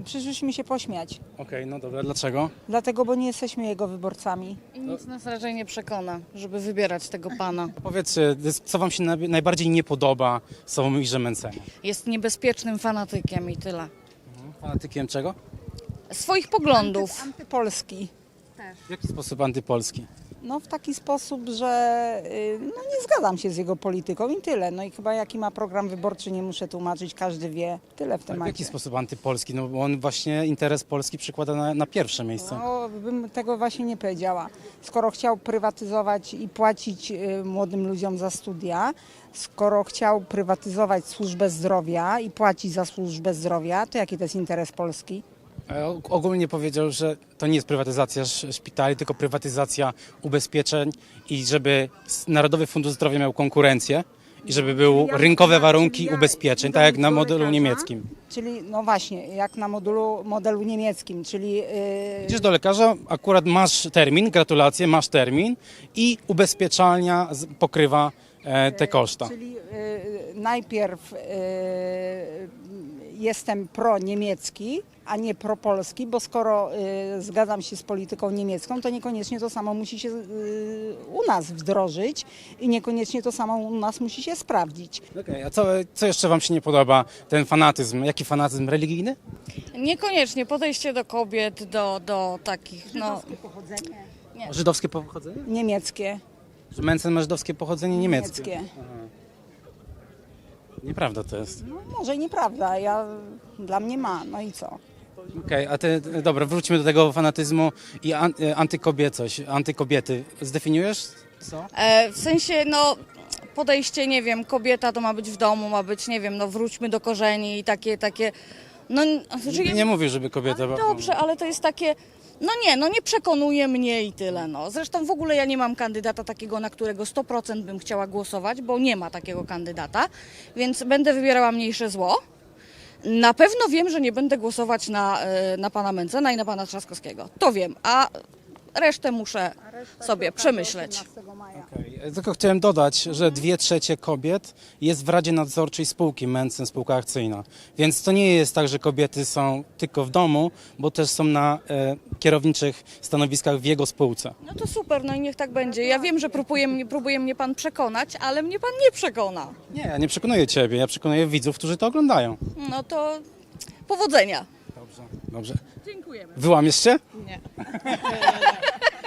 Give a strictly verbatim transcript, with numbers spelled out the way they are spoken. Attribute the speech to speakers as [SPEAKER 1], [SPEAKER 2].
[SPEAKER 1] Przyszliśmy się pośmiać.
[SPEAKER 2] Okej, no dobra, dlaczego?
[SPEAKER 1] Dlatego, bo nie jesteśmy jego wyborcami.
[SPEAKER 3] I nic nas raczej nie przekona, żeby wybierać tego pana.
[SPEAKER 2] Powiedzcie, co wam się naj- najbardziej nie podoba w Sławomirze Mentzenie?
[SPEAKER 3] Jest niebezpiecznym fanatykiem i tyle.
[SPEAKER 2] Fanatykiem czego?
[SPEAKER 3] Swoich poglądów.
[SPEAKER 1] Antypolski.
[SPEAKER 2] W jaki sposób antypolski?
[SPEAKER 1] No w taki sposób, że y, no, nie zgadzam się z jego polityką i tyle. No i chyba jaki ma program wyborczy, nie muszę tłumaczyć, każdy wie. Tyle w
[SPEAKER 2] W
[SPEAKER 1] temacie.
[SPEAKER 2] jaki sposób antypolski? No bo on właśnie interes Polski przykłada na, na pierwsze miejsce.
[SPEAKER 1] No, bym tego właśnie nie powiedziała. Skoro chciał prywatyzować i płacić y, młodym ludziom za studia, skoro chciał prywatyzować służbę zdrowia i płacić za służbę zdrowia, to jaki to jest interes Polski?
[SPEAKER 2] E, og- Ogólnie powiedział, że to nie jest prywatyzacja sz- szpitali, tylko prywatyzacja ubezpieczeń i żeby s- Narodowy Fundusz Zdrowia miał konkurencję i żeby były
[SPEAKER 1] Ja-
[SPEAKER 2] rynkowe
[SPEAKER 1] ja-
[SPEAKER 2] warunki
[SPEAKER 1] czyli ja
[SPEAKER 2] ubezpieczeń,
[SPEAKER 1] idę
[SPEAKER 2] tak jak na
[SPEAKER 1] do
[SPEAKER 2] modelu
[SPEAKER 1] lekarza,
[SPEAKER 2] niemieckim.
[SPEAKER 1] Czyli, no właśnie, jak na modelu, modelu niemieckim, czyli... Yy,
[SPEAKER 2] Idziesz do lekarza, akurat masz termin, gratulacje, masz termin i ubezpieczalnia z- pokrywa e, te koszta.
[SPEAKER 1] Czyli y, najpierw y, jestem pro-niemiecki, a nie pro-polski, bo skoro y, zgadzam się z polityką niemiecką, to niekoniecznie to samo musi się y, u nas wdrożyć i niekoniecznie to samo u nas musi się sprawdzić.
[SPEAKER 2] Okej, a co, co jeszcze wam się nie podoba? Ten fanatyzm. Jaki fanatyzm religijny?
[SPEAKER 3] Niekoniecznie podejście do kobiet, do, do takich, no...
[SPEAKER 1] Pochodzenie
[SPEAKER 2] Żydowskie pochodzenie?
[SPEAKER 1] niemieckie.
[SPEAKER 2] Że Mentzen ma żydowskie pochodzenie niemieckie.
[SPEAKER 1] niemieckie.
[SPEAKER 2] Nieprawda to jest.
[SPEAKER 1] No, może i nieprawda, ja, dla mnie ma, no i co?
[SPEAKER 2] Okej, a ty, dobra, wróćmy do tego fanatyzmu i an, e, antykobiecość, antykobiety. Zdefiniujesz? Co?
[SPEAKER 3] E, w sensie, no, podejście, nie wiem, kobieta to ma być w domu, ma być, nie wiem, no, wróćmy do korzeni i takie, takie, no... Znaczy,
[SPEAKER 2] Nie, nie mówię, żeby kobieta...
[SPEAKER 3] ale dobrze, ale to jest takie, no nie, no nie przekonuje mnie i tyle, no. Zresztą w ogóle ja nie mam kandydata takiego, na którego sto procent bym chciała głosować, bo nie ma takiego kandydata, więc będę wybierała mniejsze zło. Na pewno wiem, że nie będę głosować na, e, na pana Mentzena i na pana Trzaskowskiego. To wiem, a resztę muszę sobie przemyśleć.
[SPEAKER 2] Okej, tylko chciałem dodać, że dwie trzecie kobiet jest w Radzie Nadzorczej spółki Mentzen, spółka akcyjna. Więc to nie jest tak, że kobiety są tylko w domu, bo też są na e, kierowniczych stanowiskach w jego spółce.
[SPEAKER 3] No to super, no i niech tak będzie. Ja wiem, że próbuje mnie, próbuje mnie pan przekonać, ale mnie pan nie przekona.
[SPEAKER 2] Nie, ja nie przekonuję ciebie, ja przekonuję widzów, którzy to oglądają.
[SPEAKER 3] No to powodzenia.
[SPEAKER 2] Dobrze, dobrze.
[SPEAKER 3] Dziękujemy.
[SPEAKER 2] Wyłamiesz się?
[SPEAKER 3] Nie.